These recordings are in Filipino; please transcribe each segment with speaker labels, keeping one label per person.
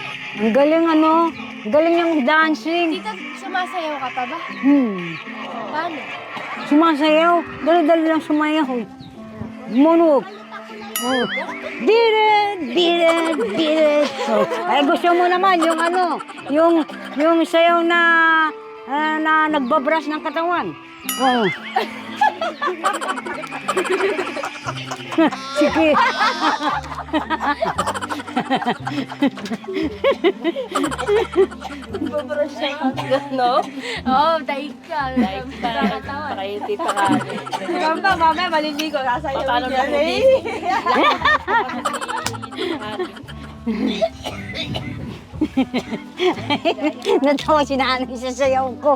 Speaker 1: Ang galing ano, ang galing niyang dancing.
Speaker 2: Tita, sumasayaw ka pa ba? Paano?
Speaker 1: Sumasayaw, dali-dali lang sumayaw. Monog. Oh. Dire. So, ay gusto mo naman yung ano, yung sayaw na nagbabrush ng katawan. Oh. Sige.
Speaker 2: Babrush siya no? Oo, daig ka. Daig ka.
Speaker 3: Pakayuti pa ka.
Speaker 2: Ikaw pa, mamaya maliligo. Sasayaw
Speaker 3: Paano
Speaker 2: niya.
Speaker 3: na
Speaker 1: Natawa si nanay sa sayaw ko.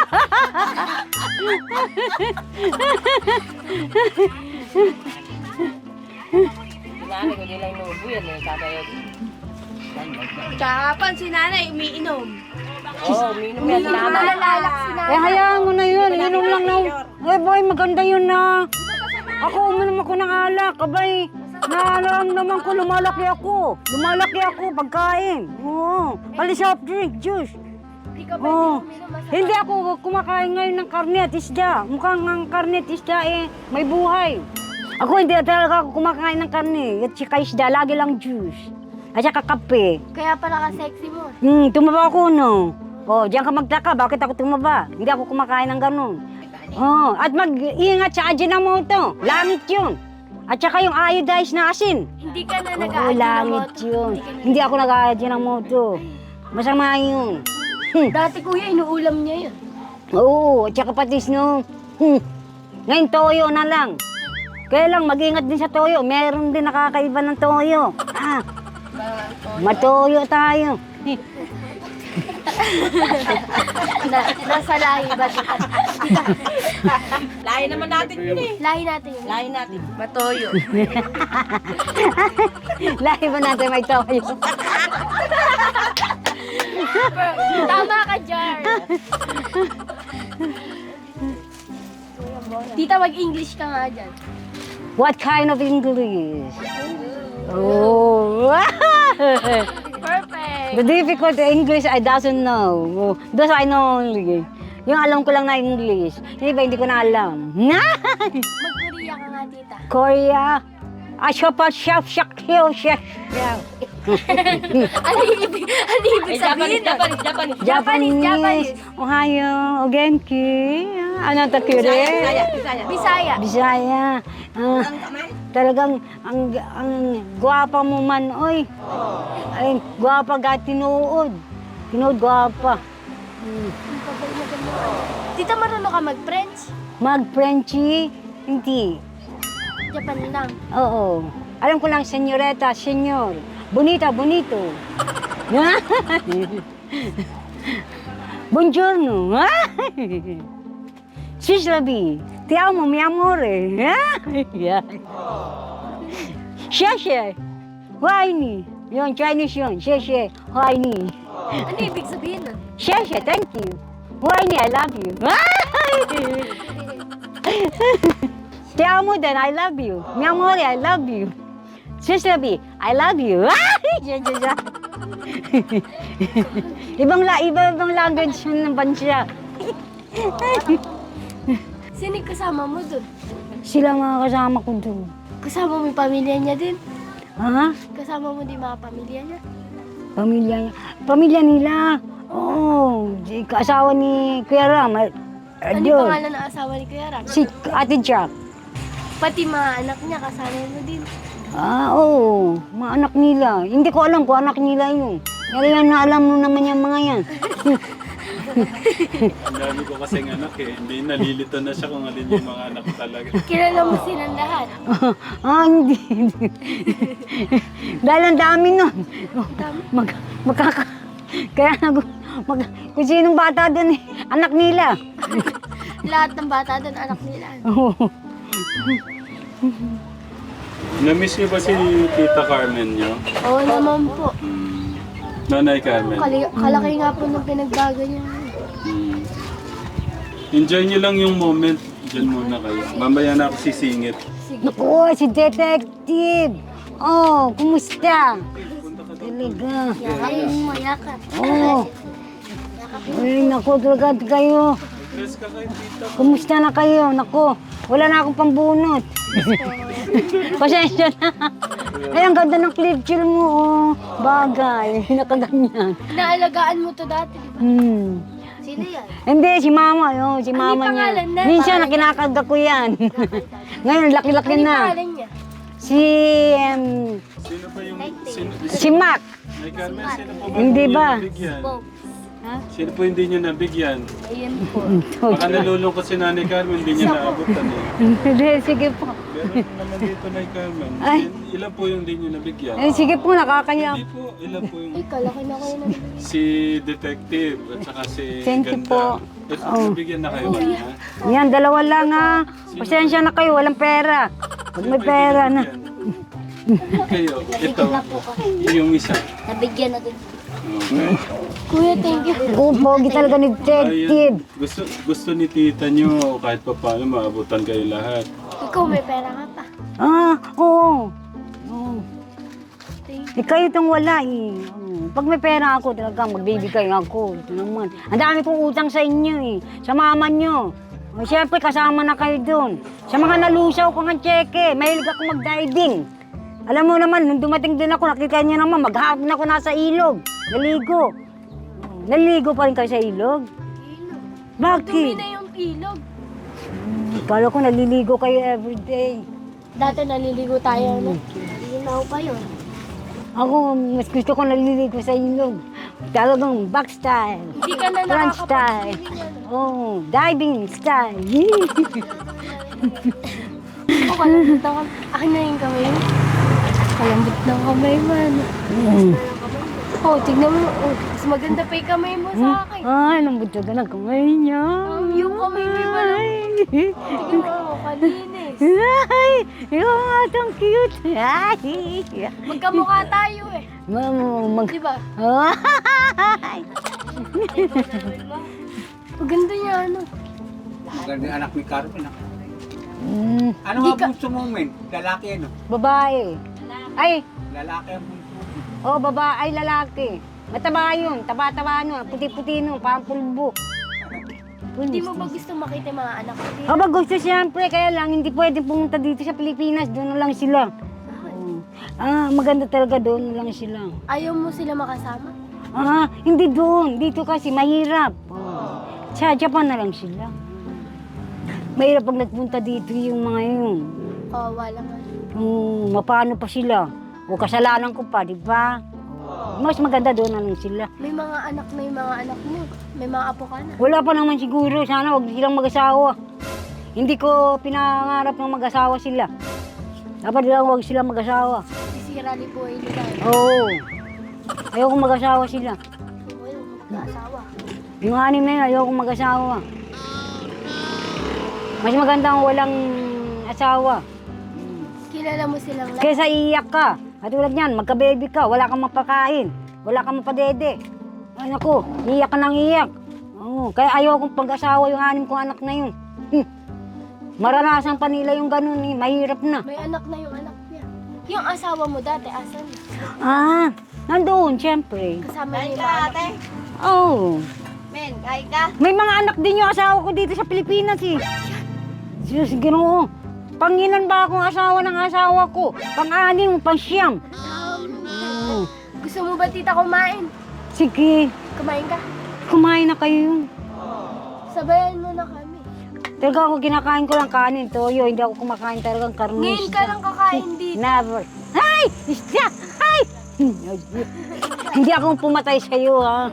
Speaker 3: Nanay ko nilang nubo yan eh. Kakayaw.
Speaker 2: Kahapon si nanay umiinom.
Speaker 3: Oo, minum yan.
Speaker 2: Malalak si nanay.
Speaker 1: Hayaan mo na yun. Inom lang na. Boy, maganda yun na. Ako, uminom ako ng alak. Abay, naman ko, lumalaki ako. Pagkain. Oo. Pali soft drink, juice.
Speaker 2: Hindi ka ba
Speaker 1: Oo.
Speaker 2: uminom?
Speaker 1: Hindi ako kumakain ngayon ng karne at isda. Mukhang ang karne at isda may buhay. Ako hindi talaga ako kumakain ng karne at saka isda. Lagi lang juice. At saka kape.
Speaker 2: Kaya pala ka sexy mo.
Speaker 1: Tumaba ako, no? Oh, diyan ka magtaka, bakit ako tumaba? Hindi ako kumakain ng ganun. Oh, at mag-ingat sa Ajinomoto. Langit yun. At saka yung iodized na asin.
Speaker 2: Hindi ka na
Speaker 1: Oo,
Speaker 2: nag-aadyo ng
Speaker 1: langit
Speaker 2: moto.
Speaker 1: yun. Hindi ako nag-Ajinomoto. Masama yun.
Speaker 2: Dati kuya, inuulam niya yun.
Speaker 1: Oo, at saka patis no. Ngayon toyo na lang. Kaya lang, mag-ingat din sa toyo. Meron din nakakaiba ng toyo. Matoyo tayo.
Speaker 2: Nasa lahi ba?
Speaker 3: Lahi naman natin yun eh.
Speaker 2: Lahi natin yun.
Speaker 3: Lahi natin. Matoyo.
Speaker 1: Lahi ba natin may toyo?
Speaker 2: Tama ka, Jar. Tita, mag-English ka nga dyan.
Speaker 1: What kind of English? Oh.
Speaker 2: Perfect.
Speaker 1: The difficult English I doesn't know. Those I know only. Yung alam ko lang na English. Yung iba hindi ko na alam.
Speaker 2: Mag-Korea ka nga, tita.
Speaker 1: Korea. Shop.
Speaker 2: Ano ibig sabihin? Japanese.
Speaker 1: Ohayo, ogenki. Ano ta kire?
Speaker 2: Bisaya.
Speaker 1: Bisaya. Talagang ang gwapa mo man, oy. Ay, gwapa ga tinuod. Tinuod gwapa.
Speaker 2: Tita, marunong ka mag-French?
Speaker 1: Mag-Frenchy? Hindi.
Speaker 2: Japan lang.
Speaker 1: Oo. Alam ko lang, senyoreta, senyor. Bonita, bonito. Buongiorno. Sislabi. Ti amo, mi amore. Sheshe. Huayni. Yun, Chinese yun. Sheshe. Huayni.
Speaker 2: Ano ibig sabihin nun?
Speaker 1: Sheshe, thank you. Huayni, I love you. Ti amo din, I love you. Mi amore, I love you. Sislabi, I love you. ibang language ng bansa.
Speaker 2: Sino yung kasama mo dun?
Speaker 1: Sila mga kasama ko doon.
Speaker 2: Kasama mo yung pamilya niya din?
Speaker 1: Ha?
Speaker 2: Kasama mo din mga pamilya niya?
Speaker 1: Pamilya niya. Pamilya nila. Oo. Asawa ni Kuya Ram.
Speaker 2: Ano yung
Speaker 1: Yun.
Speaker 2: pangalan ng asawa ni Kuya Ram?
Speaker 1: Si Ate Jack.
Speaker 2: Pati mga anak niya, kasama mo din.
Speaker 1: Oo. Mga anak nila. Hindi ko alam kung anak nila yun. Pero yan na alam mo naman yung mga yan.
Speaker 4: Ang dami ko kasing anak eh. Hindi, nalilito na siya kung alin yung mga anak talaga.
Speaker 2: Kilala mo silang lahat.
Speaker 1: Hindi. Dahil ang dami nun. Kaya kung sinong bata doon anak nila.
Speaker 2: Lahat ng bata doon, anak nila.
Speaker 1: Oo.
Speaker 4: Na-miss niyo ba si Tita Carmen niyo?
Speaker 2: Oo naman po.
Speaker 4: Nanay Carmen.
Speaker 2: Kalaki nga po nung pinagbago niya.
Speaker 4: Enjoy niyo lang yung moment. Diyan muna kayo. Mamaya na ako sisingit.
Speaker 1: Naku, si Detective. Oh, kumusta? talaga.
Speaker 2: Yakapin mo, yakap.
Speaker 1: Oo. Ay, naku, talaga kayo.
Speaker 4: Bless ka kay tita.
Speaker 1: Kumusta na kayo? Naku, wala na akong pambunot. Pasensya na. Ay, ang ganda ng clip chill mo, oh. Bagay, nakaganyan.
Speaker 2: Naalagaan mo to dati, di ba? Sino yan?
Speaker 1: Hindi, si mama, oh, si mama niya.
Speaker 2: pangalan na?
Speaker 1: Minsan, nakinakarga ko yan. Ngayon, laki-laki
Speaker 2: Ano
Speaker 1: na.
Speaker 2: pangalan niya?
Speaker 1: Si,
Speaker 4: Sino ba yung... Sino,
Speaker 1: si Mac.
Speaker 4: Nay Carmen, sino po ba
Speaker 1: Hindi
Speaker 4: yung
Speaker 1: ba?
Speaker 4: nabigyan?
Speaker 1: Ha?
Speaker 4: Sino po hindi niyo nabigyan?
Speaker 2: Ayun po.
Speaker 4: Baka nalulungkot si Nanay Carmen, hindi niya naabutan eh.
Speaker 1: Hindi, sige po.
Speaker 4: Meron naman dito, Nay Carmen.
Speaker 1: Ay.
Speaker 4: Ilan po yung hindi niyo nabigyan?
Speaker 1: Eh, sige po, nakakaya.
Speaker 4: Hindi po, ilan po yung...
Speaker 2: Ay, kalaki na kayo na.
Speaker 4: Si Detective at saka si
Speaker 1: Thank you
Speaker 4: Ganda.
Speaker 1: po.
Speaker 4: Ito,
Speaker 1: Oh.
Speaker 4: nabigyan na kayo ba niya?
Speaker 1: Yan, dalawa lang ha. Pasensya na kayo, walang pera. Pag may pera na.
Speaker 4: Kayo, ito, yung isa.
Speaker 2: Nabigyan na din.
Speaker 4: Okay.
Speaker 2: Kuya, thank you.
Speaker 1: Pogi talaga ni detective.
Speaker 4: Ayun. Gusto ni tita nyo kahit pa paano maabutan kayo lahat.
Speaker 2: Ikaw, may pera ka pa.
Speaker 1: Ah, oo. Oo.
Speaker 2: Thank
Speaker 1: Eh, kayo itong wala eh. Pag may pera ako, talaga magbibigay ako. Ito naman. Ang dami kong utang sa inyo eh. Sa mama nyo. O, siyempre, kasama na kayo doon. Sa mga nalusaw ko ng cheque, mahilig ako mag-diving. Alam mo naman, nung dumating din ako, nakita niyo naman, maghapon ako nasa ilog. Naligo. Naligo pa rin kayo sa ilog?
Speaker 2: Dumi
Speaker 1: Bakit?
Speaker 2: na yung ilog.
Speaker 1: Kala ko naliligo kayo everyday.
Speaker 2: Dati naliligo tayo, no? Linaw pa yun.
Speaker 1: Ako, mas gusto ko naliligo sa ilog. Talagang back style.
Speaker 2: Hindi ka na
Speaker 1: Front style.
Speaker 2: nakakapag-swimming,
Speaker 1: Oh, diving style.
Speaker 2: O, kalambot ng kamay. Akin na yung kamay mo. Kalambot ng kamay mo, ano? Oh, tignan mo. Oh, mas maganda pa yung kamay mo sa akin.
Speaker 1: Ay, lambot ka ng kamay niya.
Speaker 2: Yung kamay mo yung walang... Tignan mo, oh, kalinis.
Speaker 1: Ay, yung atong cute. Ay,
Speaker 2: Magkamukha tayo eh. Di ba?
Speaker 1: Ay.
Speaker 2: Maganda niya, ano?
Speaker 5: Maganda yung anak ni Carmen. Ah.
Speaker 1: Mm,
Speaker 5: Ano nga gusto mo, men? Lalaki ano?
Speaker 1: babae. Ay,
Speaker 5: Lalaki ang bunso.
Speaker 1: oh, babae, ay lalaki. Mataba yun, taba-taba nun, puti-puti nun, parang pulbo.
Speaker 2: Hindi mo ba gusto makita yung mga anak ko dito?
Speaker 1: Aba, gusto siyempre, kaya lang hindi pwede pumunta dito sa Pilipinas, doon na lang sila. Ah, maganda talaga doon na lang sila.
Speaker 2: Ayaw mo sila makasama?
Speaker 1: Ah, hindi doon, dito kasi mahirap. Oh. Sa Japan na lang sila. Mahirap pag nagpunta dito yung mga yun.
Speaker 2: Oo, wala nga.
Speaker 1: Mapano pa sila? O kasalanan ko pa, di ba? Mas maganda doon na lang sila.
Speaker 2: May mga anak na yung mga anak mo. May mga apo ka na.
Speaker 1: Wala pa naman siguro, sana wag silang mag-asawa. Hindi ko pinangarap ng mag-asawa sila. Dapat lang wag silang mag-asawa.
Speaker 2: Sisira ni po nila.
Speaker 1: Oo. Ayoko mag-asawa sila.
Speaker 2: Oo, mag-asawa.
Speaker 1: Yung anim na yun, ayoko mag-asawa. Mas maganda ang walang asawa.
Speaker 2: Kilala mo silang lahat.
Speaker 1: Kesa iiyak ka. Katulad niyan, magka-baby ka, wala kang mapakain. Wala kang mapadede. Ay naku, iiyak ka nang iiyak. Oo, kaya ayokong pag-asawa yung anim kong anak na yun. Maranasan pa nila yung ganun eh, mahirap na.
Speaker 2: May anak na yung anak niya. Yung asawa mo dati, asan?
Speaker 1: Ah, nandoon, siyempre.
Speaker 2: Kasama niya yung mga anak.
Speaker 1: Oo.
Speaker 2: Men, kain ka?
Speaker 1: May mga anak din yung asawa ko dito sa Pilipinas eh. Diyos, Ginoo. Pangilan ba akong asawa ng asawa ko? Pang-anim, pang-siyam. Oo.
Speaker 2: Gusto mo ba tita kumain?
Speaker 1: Sige,
Speaker 2: Kumain ka?
Speaker 1: kumain na kayo.
Speaker 2: Sabayan mo na kami.
Speaker 1: Talaga ako kinakain ko lang kanin, toyo. Hindi ako kumakain talagang karne.
Speaker 2: Ngayon ka lang kakain dito.
Speaker 1: Never. Ay! Isda! Ay! Hindi ako pumatay sa iyo, ha?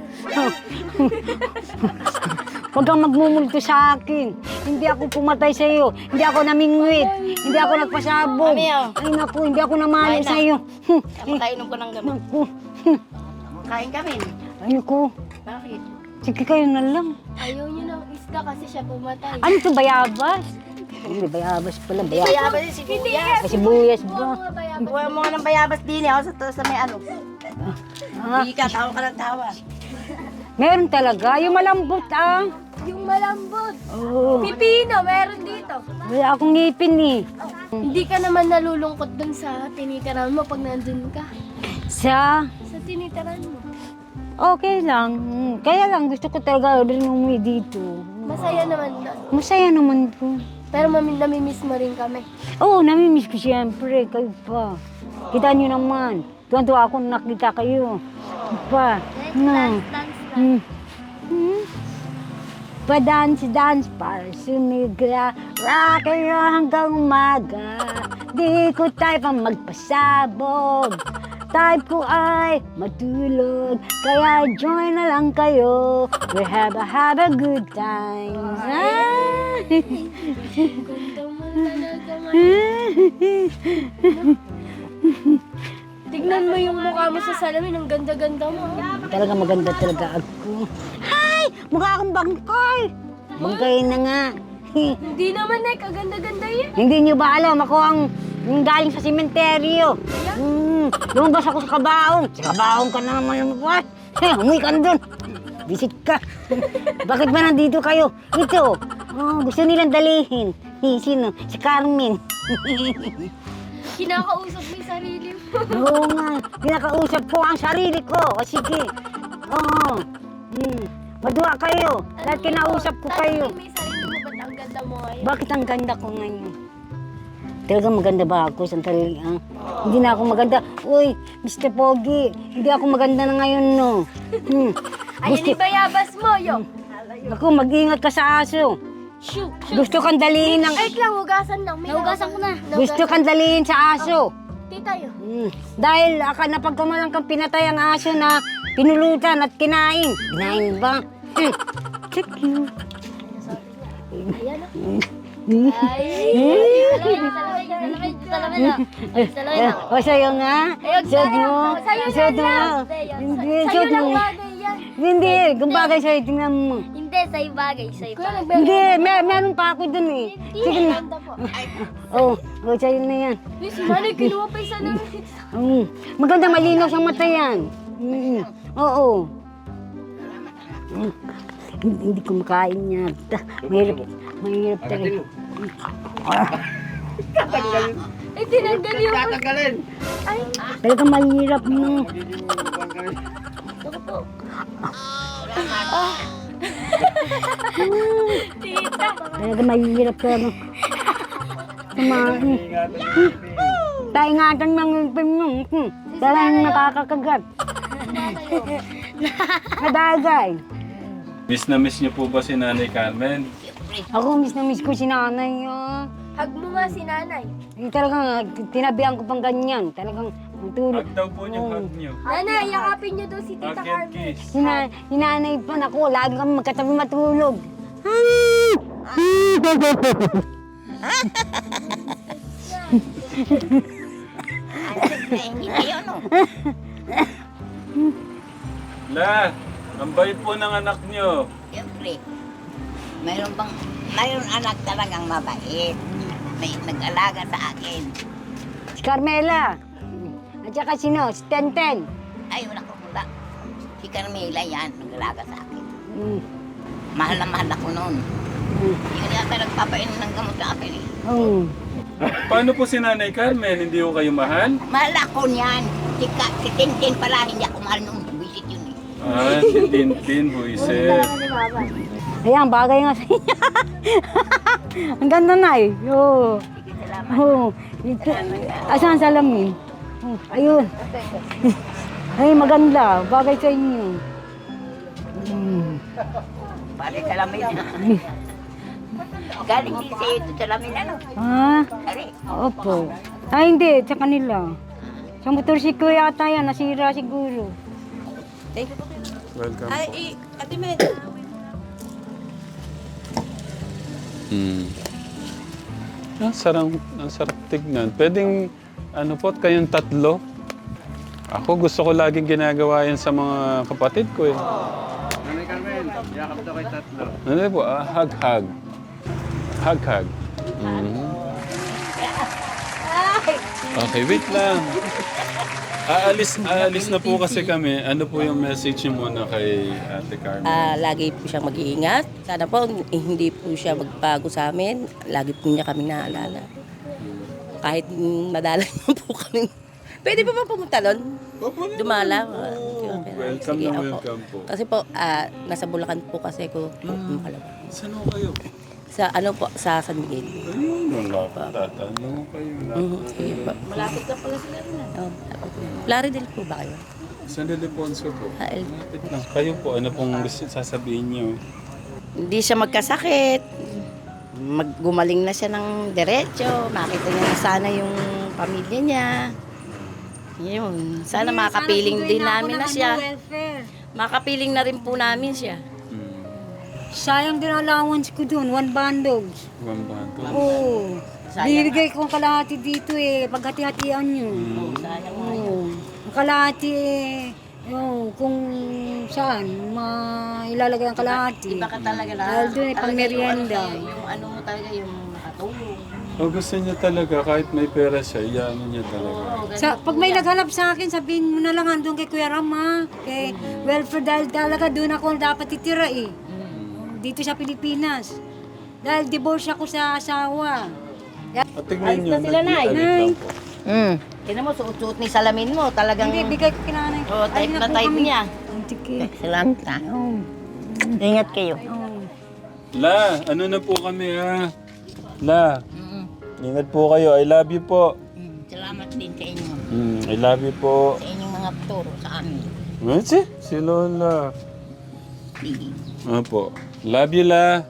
Speaker 1: Huwag kang magmumulto sa akin. Hindi ako pumatay sa iyo. Hindi ako namingwit. Hindi ako nagpasabog. Ay, naku, hindi ako namali sa iyo.
Speaker 3: Napakainom ko ng gamot.
Speaker 1: Naku.
Speaker 3: Kain kami.
Speaker 1: Ay, naku.
Speaker 3: Bakit?
Speaker 1: Sige kayo na lang.
Speaker 2: Ayaw niyo ng isda kasi siya pumatay.
Speaker 1: Ano to, bayabas? Hindi, bayabas pala. Bayabas.
Speaker 3: Bayabas yung sibuyas.
Speaker 1: Kasi buyas ba?
Speaker 2: Mga bayabas.
Speaker 3: Buhay mo nga ng bayabas din eh. Sa may ano.
Speaker 1: Ah,
Speaker 3: Hindi ka, tawa ka ng tawa.
Speaker 1: meron talaga. Yung malambot, ah.
Speaker 2: Yung malambot.
Speaker 1: Oo.
Speaker 2: Pipino, meron dito.
Speaker 1: Wala akong ngipin, eh.
Speaker 2: Hindi ka naman nalulungkot dun sa tinitirahan mo pag nandun ka. Sa tinitaran mo.
Speaker 1: Okay lang. Kaya lang gusto ko talaga rin umuwi dito.
Speaker 2: Masaya naman doon.
Speaker 1: Masaya naman po.
Speaker 2: Pero namimiss mo rin kami.
Speaker 1: Oo, namimiss ko siyempre. Kayo pa. Kita niyo naman. Tuwan-tuwa ako nung nakita kayo. Pa. No. Pa-dance para sumigla. Rock and roll hanggang umaga. Di ko tayo pang magpasabog. Type ko ay matulog. Kaya join na lang kayo. We have a good time.
Speaker 2: Ganda mo talaga Tignan mo yung mukha mo sa salamin. Ang ganda-ganda mo.
Speaker 1: Talaga maganda talaga ako. Hay! Mukha akong bangkay. Bangkay na nga.
Speaker 2: Hindi naman, Nay. Kaganda-ganda yan.
Speaker 1: Hindi niyo ba alam ako ang galing sa sementeryo. Lumabas ako sa kabaong. Sa kabaong ka na naman lumabas. Umuwi ka na dun. Visit ka. Bakit ba nandito kayo? Ito. Gusto nilang dalihin. Sino? Si Carmen.
Speaker 2: Kinakausap mo yung sarili mo.
Speaker 1: Oo nga. Pinakausap ko ang sarili ko. O sige. Oo. Madua kayo. Dahil kinausap ko kayo.
Speaker 2: May sarili mo, ba't ang ganda mo ngayon?
Speaker 1: Bakit ang ganda ko ngayon? Talaga maganda ba ako? Sandali, Hindi na ako maganda. Uy, Mr. Pogi, hindi ako maganda na ngayon, no?
Speaker 2: Ayun yung bayabas mo, yo.
Speaker 1: Ako, mag-ingat ka sa aso.
Speaker 2: Shoot.
Speaker 1: Gusto kang dalihin ng...
Speaker 2: Ay, lang, hugasan lang. Nahugasan ko na.
Speaker 1: Gusto kang dalihin sa aso.
Speaker 2: Tita, yo.
Speaker 1: Dahil napagkamalang kang pinatay ang aso na pinulutan at kinain. Kinain ba? So cute.
Speaker 2: Ayan,
Speaker 1: O, sa'yo nga. Suot mo. Suot mo. Hindi, suot mo. Hindi, kung bagay sa'yo, tingnan mo.
Speaker 2: Hindi, sa'yo bagay. Sa'yo bagay.
Speaker 1: Hindi, meron pa ako dun eh. Sige na. Sa'yo na yan.
Speaker 2: Si Manay, kinuha pa isa namin.
Speaker 1: Maganda, malinaw sa mata yan. Oo. Hindi ko makain yan. Mahirap talaga.
Speaker 2: Ay, tinanggal yung...
Speaker 5: Tatanggalin!
Speaker 2: Ay,
Speaker 1: Talaga mahirap no.
Speaker 2: tita.
Speaker 1: Talaga mahirap talaga. Kumain. Taingatan ng ipin mo. Talagang nakakakagat. Nadagay.
Speaker 4: Miss na miss niyo po ba si Nanay Carmen?
Speaker 1: Ako, miss na miss ko si nanay.
Speaker 2: Hug mo nga si nanay.
Speaker 1: Talagang tinabihan ko pang ganyan. Talagang matulog.
Speaker 4: Hug daw po yung hug niyo.
Speaker 2: Nanay, yakapin niyo daw si Tita
Speaker 4: Hug and
Speaker 2: Carmen.
Speaker 4: kiss.
Speaker 1: Hinanay pa na ko. Lagi kami magkatabi matulog.
Speaker 4: La, ang bait po ng anak niyo.
Speaker 6: Siyempre, mayroon anak talagang mabait. May nag-alaga sa akin.
Speaker 1: Si Carmela. At saka sino? Si Tenten.
Speaker 6: Ay, wala ko mula. Si Carmela yan, nag-alaga sa akin.
Speaker 1: Mm.
Speaker 6: Mahal na mahal ako noon.
Speaker 1: Mm.
Speaker 6: Yun yata nagpapainom ng gamot sa akin eh.
Speaker 1: Oh.
Speaker 4: Paano po si Nanay Carmen? Hindi ko kayo mahal?
Speaker 6: Mahal ako niyan. Si Tintin pala, hindi ako mahal nung visit yun eh.
Speaker 4: Si Tintin, buisit.
Speaker 1: Ayan, bagay nga sa inyo. Ang ganda na eh. Oo.
Speaker 6: Sige, salamat.
Speaker 1: Oo. Asan ang salamin? Oh, ayun. Ay, maganda. Bagay sa inyo.
Speaker 6: Balik salamin. Galing din sa ito salamin ano.
Speaker 1: Ha?
Speaker 6: Ari,
Speaker 1: Opo. Ay, hindi. Sa kanila. Sa motorsiklo yata yan. Nasira siguro.
Speaker 4: Welcome po.
Speaker 6: Ate Med.
Speaker 4: Ang sarap tignan. Pwedeng, kayong tatlo. Ako gusto ko laging ginagawa yan sa mga kapatid ko eh.
Speaker 5: Nanay Carmen, yakap daw kay tatlo.
Speaker 4: Ano po? Hug-hug. Hug-hug. Okay, wait lang. Aalis na po kasi kami. Ano po yung message niyo muna kay Ate Carmen?
Speaker 3: Lagi po siyang mag-iingat. Sana po hindi po siya magbago sa amin. Lagi po niya kami naalala. Kahit madalang po kami Pwede pa ba pumunta doon? Dumala.
Speaker 4: Welcome
Speaker 3: Sige,
Speaker 4: na
Speaker 3: opo.
Speaker 4: welcome po.
Speaker 3: Kasi po, nasa Bulacan po kasi ko makalawa.
Speaker 4: Saan ho kayo?
Speaker 3: Sa ano po, sa San Miguel.
Speaker 4: Ayun, wala pa. Tatanong kayo.
Speaker 3: Sige po. Malapit na pala sila rin. Plaridel po ba kayo?
Speaker 4: San Ildefonso po.
Speaker 3: El.
Speaker 4: Lapit lang. Kayo po, ano pong gusto sasabihin niyo?
Speaker 7: Hindi siya magkasakit. Gumaling na siya ng diretso. Makita niya na sana yung pamilya niya. Yun. Sana makapiling din namin na siya.
Speaker 1: Welfare.
Speaker 7: Makapiling na rin po namin siya.
Speaker 1: Sayang din ang allowance ko dun, 1 bandogs.
Speaker 4: Bambato.
Speaker 1: Oo. Binigay ko ang kalahati dito eh, paghati-hatian nyo. Oo. Ang kalahati eh, yung kung saan mailalagay ang kalahati.
Speaker 7: Iba ka talaga na.
Speaker 1: Dahil dun eh, pang merienda.
Speaker 7: Yung ano mo talaga, yung nakatulong.
Speaker 4: O gusto niya talaga, kahit may pera siya, iyaano niya talaga.
Speaker 1: Pag may naghanap sa akin, sabihin mo na lang andun kay Kuya Rama, kay welfare, dahil talaga doon ako dapat titira eh. Dito sa Pilipinas. Dahil divorce ako sa asawa.
Speaker 4: At tignan niyo,
Speaker 7: sila, Nay.
Speaker 4: lang po.
Speaker 7: Tignan mo, suot-suot ni salamin mo. Talagang
Speaker 1: Hindi, bigay ko kinanay.
Speaker 7: oh, type na type niya.
Speaker 6: Salamat na. Ingat kayo.
Speaker 4: La, ano na po kami ha? La, ingat po kayo. I love you po.
Speaker 6: Salamat din sa inyo.
Speaker 4: I love you po.
Speaker 6: Sa inyong mga turo sa amin.
Speaker 4: Si Lola. Opo. Love you, La.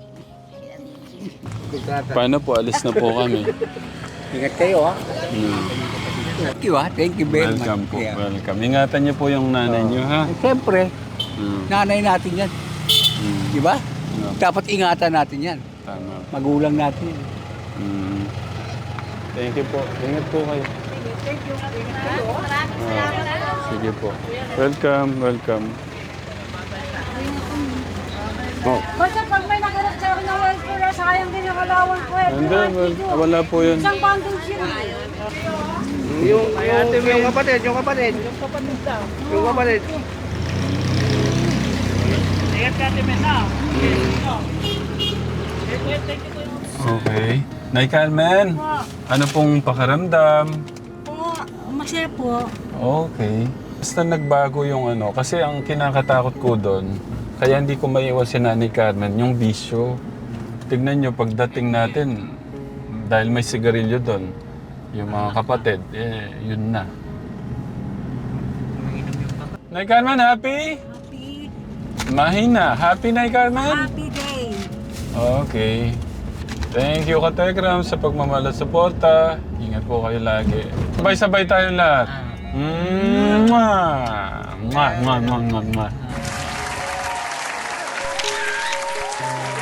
Speaker 4: Paano po? Alis na po kami.
Speaker 5: Ingat kayo ha. Thank you ha. Thank you very much.
Speaker 4: Welcome po.
Speaker 5: Yeah.
Speaker 4: Welcome. Ingatan niyo po yung nanay niyo, ha?
Speaker 5: Siyempre,
Speaker 4: Mm.
Speaker 5: nanay natin yan. Di ba?
Speaker 4: No,
Speaker 5: Dapat ingatan natin yan.
Speaker 4: tama.
Speaker 5: Magulang natin yan.
Speaker 4: Mm. Thank you po. Ingat po kayo. Sige po. Welcome, welcome.
Speaker 1: Basta pag may naghanap sa akin ng welfare, sayang din yung allowance ko eh.
Speaker 4: Hindi, wala po yun.
Speaker 1: Isang bandogs yun.
Speaker 5: Yung kapatid.
Speaker 4: Okay. Nay Carmen, ano pong pakaramdam?
Speaker 1: Oo, masaya po.
Speaker 4: Okay. Basta nagbago yung ano, kasi ang kinakatakot ko doon, kaya hindi ko maiwas si Nanay Carmen, yung bisyo. Tignan nyo, pagdating natin, dahil may sigarilyo doon, yung mga kapatid, yun na. Nay Carmen, happy?
Speaker 1: Happy,
Speaker 4: Mahina. Happy, Nay Carmen?
Speaker 1: happy day.
Speaker 4: Okay. Thank you, Katekram, sa pagmamahal at suporta. Ingat po kayo lagi. Sabay-sabay tayo lahat. Mwah! Mwah, mwah, mwah, mwah, mwah.